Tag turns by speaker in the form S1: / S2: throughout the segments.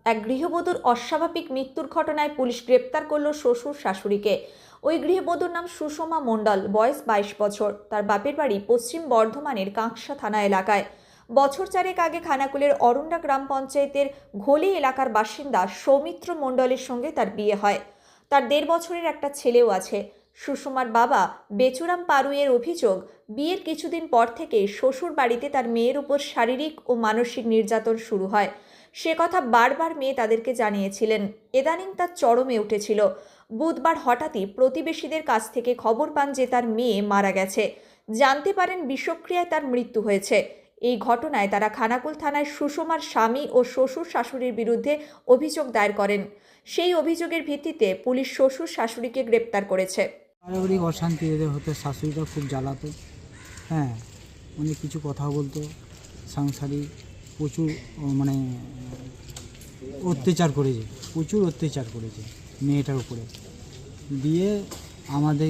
S1: এক গৃহবধূর অস্বাভাবিক মৃত্যুর ঘটনায় পুলিশ গ্রেপ্তার করল শ্বশুর শাশুড়িকে। ওই গৃহবধূর নাম সুষমা মণ্ডল, বয়স 22 বছর। তার বাপের বাড়ি পশ্চিম বর্ধমানের কাঁকসা থানা এলাকায়। বছর চারেক আগে খানাকুলের অরুণ্ডা গ্রাম পঞ্চায়েতের ঘোলি এলাকার বাসিন্দা সৌমিত্র মণ্ডলের সঙ্গে তার বিয়ে হয়। তার 1.5 বছরের একটা ছেলেও আছে। সুষমার বাবা বেচুরাম পারুইয়ের অভিযোগ, বিয়ের কিছুদিন পর থেকে শ্বশুর বাড়িতে তার মেয়ের উপর শারীরিক ও মানসিক নির্যাতন শুরু হয়। সে কথা বারবার মেয়ে তাদেরকে জানিয়েছিলেন। ইদানিং তার চরমে উঠেছিল। বুধবার হঠাৎই প্রতিবেশীদের কাছ থেকে খবর পান যে তার মেয়ে মারা গেছে। জানতে পারেন বিষক্রিয়ায় তার মৃত্যু হয়েছে। এই ঘটনায় তারা খানাকুল থানায় সুষমার স্বামী ও শ্বশুর শাশুড়ির বিরুদ্ধে অভিযোগ দায়ের করেন। সেই অভিযোগের ভিত্তিতে পুলিশ শ্বশুর শাশুড়িকে গ্রেপ্তার করেছে।
S2: পারিবারিক অশান্তি এদের হতো, শাশুড়িটা খুব জ্বালাতো। হ্যাঁ, অনেক কিছু কথা বলতো, সাংসারিক প্রচুর মানে অত্যাচার করেছে, প্রচুর অত্যাচার করেছে মেয়েটার উপরে। দিয়ে আমাদের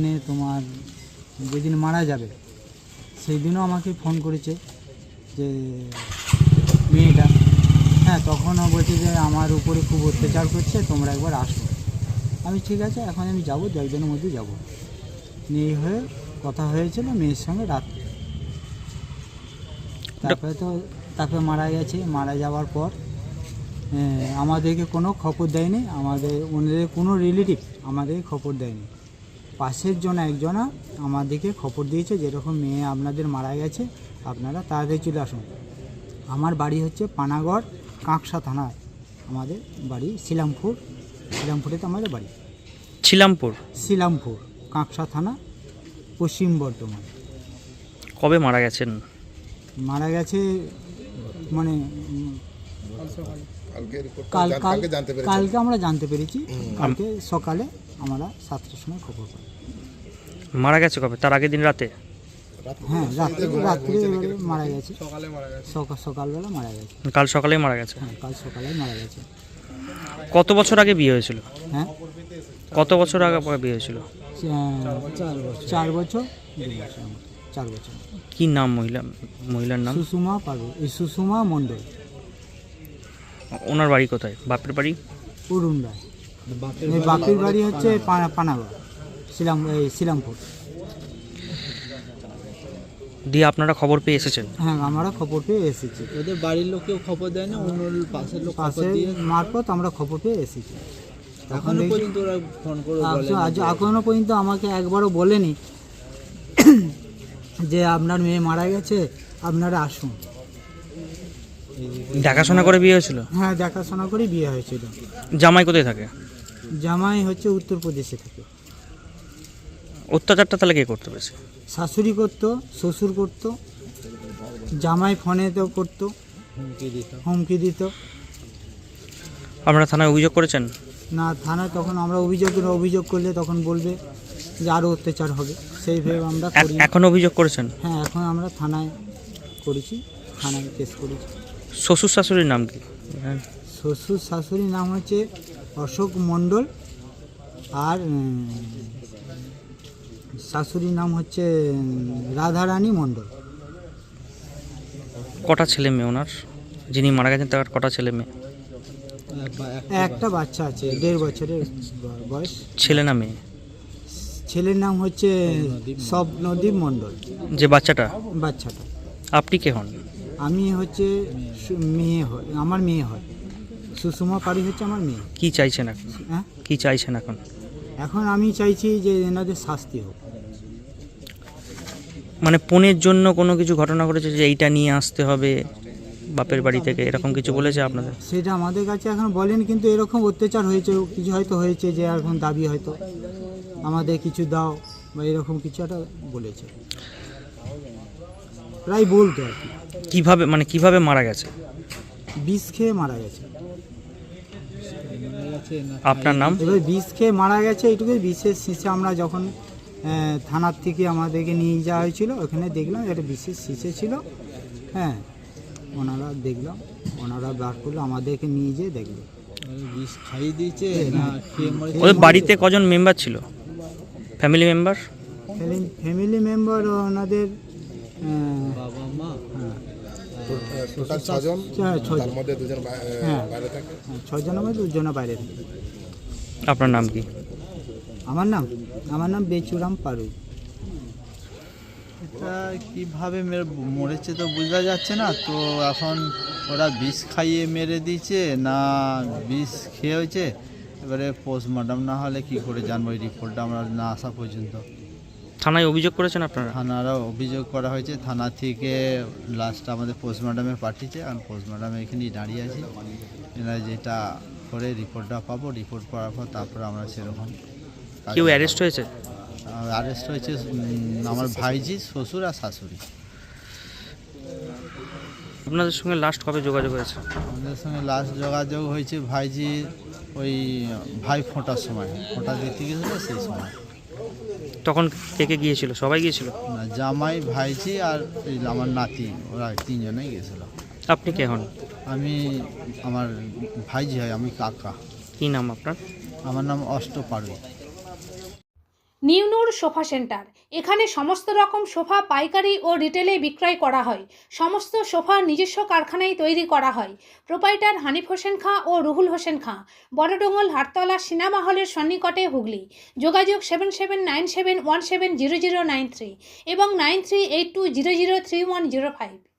S2: যেদিন মারা যাবে সেই দিনও আমাকে ফোন করেছে যে মেয়েটা, হ্যাঁ, তখনও বলছে যে আমার উপরে খুব অত্যাচার করছে, তোমরা একবার আসো। আমি ঠিক আছে, এখন আমি যাবো, 2 দিনের মধ্যে যাবো। মেয়ে হয়ে কথা হয়েছিল মেয়ের সঙ্গে রাত্রে। তারপরে মারা গেছে। মারা যাওয়ার পর আমাদেরকে কোনো খবর দেয়নি, ওনাদের কোনো রিলেটিভ আমাদেরকে খবর দেয়নি। পাশের একজনা আমাদেরকে খবর দিয়েছে যেরকম মেয়ে আপনাদের মারা গেছে, আপনারা তাড়াতাড়ি চলে আসুন। আমার বাড়ি হচ্ছে পানাগড়, কাঁকসা থানায় আমাদের বাড়ি। শিলামপুরে তো আমাদের বাড়ি। শিলামপুর কাঁকসা থানা, পশ্চিম বর্ধমান।
S3: কবে মারা গেছেন?
S2: মারা গেছে মানে কালকে আমরা জানতে পেরেছি। কালকে সকালে আমরা 7টার সময় খবর পাই।
S3: মারা গেছে কবে? তার আগের দিন রাতে?
S2: হ্যাঁ, রাত্রে মারা গেছে। সকালবেলা মারা গেছে।
S3: কাল সকালেই মারা গেছে?
S2: হ্যাঁ, কাল সকালে মারা গেছে।
S3: কত বছর আগে বিয়ে হয়েছিল?
S2: হ্যাঁ,
S3: কত বছর আগে বিয়ে হয়েছিল?
S2: 4 বছর। 4 বছর।
S3: কি নাম মহিলার নাম?
S2: সুষমা মণ্ডল।
S3: ওনার বাড়ি কোথায়? বাপের বাড়ি
S2: অরুণ্ডা। বাপের বাড়ি হচ্ছে পানাগড়, শিলামপুর।
S3: দিয়ে আপনারা খবর পেয়ে এসেছেন?
S2: হ্যাঁ, আমরা খবর পেয়ে এসেছি।
S4: ওদের বাড়ির লোকেও খবর দেয় না, অন্য পাশের লোক
S2: মারফত আমরা খবর পেয়ে এসেছি।
S4: এখনো পর্যন্ত ওরা ফোন করে
S2: এখনো পর্যন্ত আমাকে একবারও বলেনি যে আপনার মেয়ে মারা গেছে, আপনারা আসুন।
S3: দেখাশোনা করে বিয়ে হয়েছিল?
S2: হ্যাঁ, দেখাশোনা করে বিয়ে হয়েছিল।
S3: জামাই কোথায় থাকে?
S2: জামাই হচ্ছে উত্তরপ্রদেশে থাকে।
S3: অত্যাচারটা তাহলে কে করতে পেরেছে?
S2: শাশুড়ি করতো, শ্বশুর করতো, জামাই ফোনেতেও করতো, হুমকি দিত।
S3: আপনারা থানায় অভিযোগ করেছেন?
S2: না, থানায় তখন আমরা অভিযোগ করলে তখন বলবে যে আরও অত্যাচার হবে, সেইভাবে আমরা করি।
S3: এখন অভিযোগ করেছেন?
S2: হ্যাঁ, এখন আমরা থানায় করেছি, থানায় কেস করেছি।
S3: শ্বশুর শাশুড়ির নাম কি?
S2: শ্বশুর শাশুড়ির নাম হচ্ছে অশোক মণ্ডল, আর শাশুড়ির নাম হচ্ছে রাধারানী মণ্ডল।
S3: কটা ছেলে মেয়ে ওনার? যিনি মারা গেছেন তার কটা ছেলে মেয়ে?
S2: একটা বাচ্চা আছে, 1.5 বছরের বয়স।
S3: ছেলে না মেয়ে?
S2: ছেলের নাম হচ্ছে স্বপ্নদীপ মণ্ডল।
S3: যে বাচ্চাটা?
S2: আপনি
S3: কে হন?
S2: আমি হচ্ছে মেয়ে হয়, আমার মেয়ে হয়। সুষমা পারি হচ্ছে আমার মেয়ে।
S3: কি চাইছেন এখন?
S2: হ্যাঁ,
S3: কি চাইছেন এখন?
S2: এখন আমি চাইছি যে এনাদের শাস্তি হোক।
S3: মানে পণের জন্য কোনো কিছু ঘটনা ঘটেছে যে এইটা নিয়ে আসতে হবে বাপের বাড়ি থেকে, এরকম কিছু বলেছে আপনাদের?
S2: সেটা আমাদের কাছে এখন বলেন, কিন্তু এরকম অত্যাচার হয়েছে, কিছু হয়তো হয়েছে যে এখন দাবি হয়তো আমাদের কিছু দাও বা এরকম কিছু একটা বলেছে, প্রায় বলতো আর কি।
S3: কিভাবে মারা গেছে?
S2: বিষ খেয়ে মারা গেছে।
S3: আপনার নাম?
S2: এবার বিষ খেয়ে মারা গেছে, এইটুকুই। বিশেষ শিশে আমরা যখন থানার থেকে আমাদেরকে নিয়ে যাওয়া হয়েছিল, ওখানে দেখলাম একটা বিশেষ শিশে ছিল। হ্যাঁ, ওনারা বার করলো, আমাদেরকে নিয়ে যেয়ে দেখলো।
S4: বিষ খাইয়ে দিয়েছে না খেয়ে মরে?
S3: ওদের বাড়িতে কজন মেম্বার ছিল? ফ্যামিলি মেম্বার
S2: ওনাদের
S4: বাবা মা
S5: টোটাল ছজন,
S2: ছজন।
S5: তার মধ্যে দুজন
S2: হ্যাঁ।
S5: বাইরে থাকে।
S2: হ্যাঁ, 6 জনের মধ্যে 2 জন বাইরে থাকে।
S3: আপনার নাম কি?
S2: আমার নাম বেচুরাম পারু।
S4: এটা কীভাবে মরেছে তো বোঝা যাচ্ছে না, তো এখন ওরা বিষ খাইয়ে মেরে দিয়েছে না বিষ খেয়ে হয়েছে, এবারে পোস্টমর্টম না হলে কি করে জানবো, এই রিপোর্টটা আমরা না আসা পর্যন্ত।
S3: থানায় অভিযোগ করেছেন আপনারা?
S4: থানারও অভিযোগ করা হয়েছে, থানা থেকে লাস্ট আমাদের পোস্টমর্টমে পাঠিয়েছে, আর পোস্টমর্টমে এখানেই দাঁড়িয়ে আছি। এরা যেটা করে রিপোর্টটা পাবো, রিপোর্ট পাওয়ার পর তারপর আমরা সেরকম
S3: কেউ অ্যারেস্ট হয়েছে?
S4: অ্যারেস্ট হয়েছে আমার ভাইজি, শ্বশুর আর শাশুড়ি।
S3: আপনাদের সঙ্গে লাস্ট কবে যোগাযোগ হয়েছে?
S4: আমাদের সঙ্গে লাস্ট যোগাযোগ হয়েছে ভাইজি ওই ভাই ফোঁটার সময়, ফোঁটা দিতে গেছিলো সেই সময়।
S3: তখন কে কে গিয়েছিল? সবাই গিয়েছিল?
S4: না, জামাই, ভাইজি আর এই আমার নাতি, ওরা 3 জনেই গেছিলো।
S3: আপনি কে হন?
S4: আমি আমার ভাইজি হয়, আমি কাকা।
S3: কী নাম আপনার?
S4: আমার নাম Ashta Parui.
S6: New Noor sofa centre, এখানে সমস্ত রকম সোফা পাইকারি ও রিটেলে বিক্রয় করা হয়। সমস্ত সোফা নিজস্ব কারখানায় তৈরি করা হয়। প্রোপাইটার হানিফ হোসেন খাঁ ও রুহুল হোসেন খাঁ, বড়ডোঙ্গল হাটতলা সিনেমা হলের সন্নিকটে, হুগলি। যোগাযোগ 7797170093 এবং 9382003105।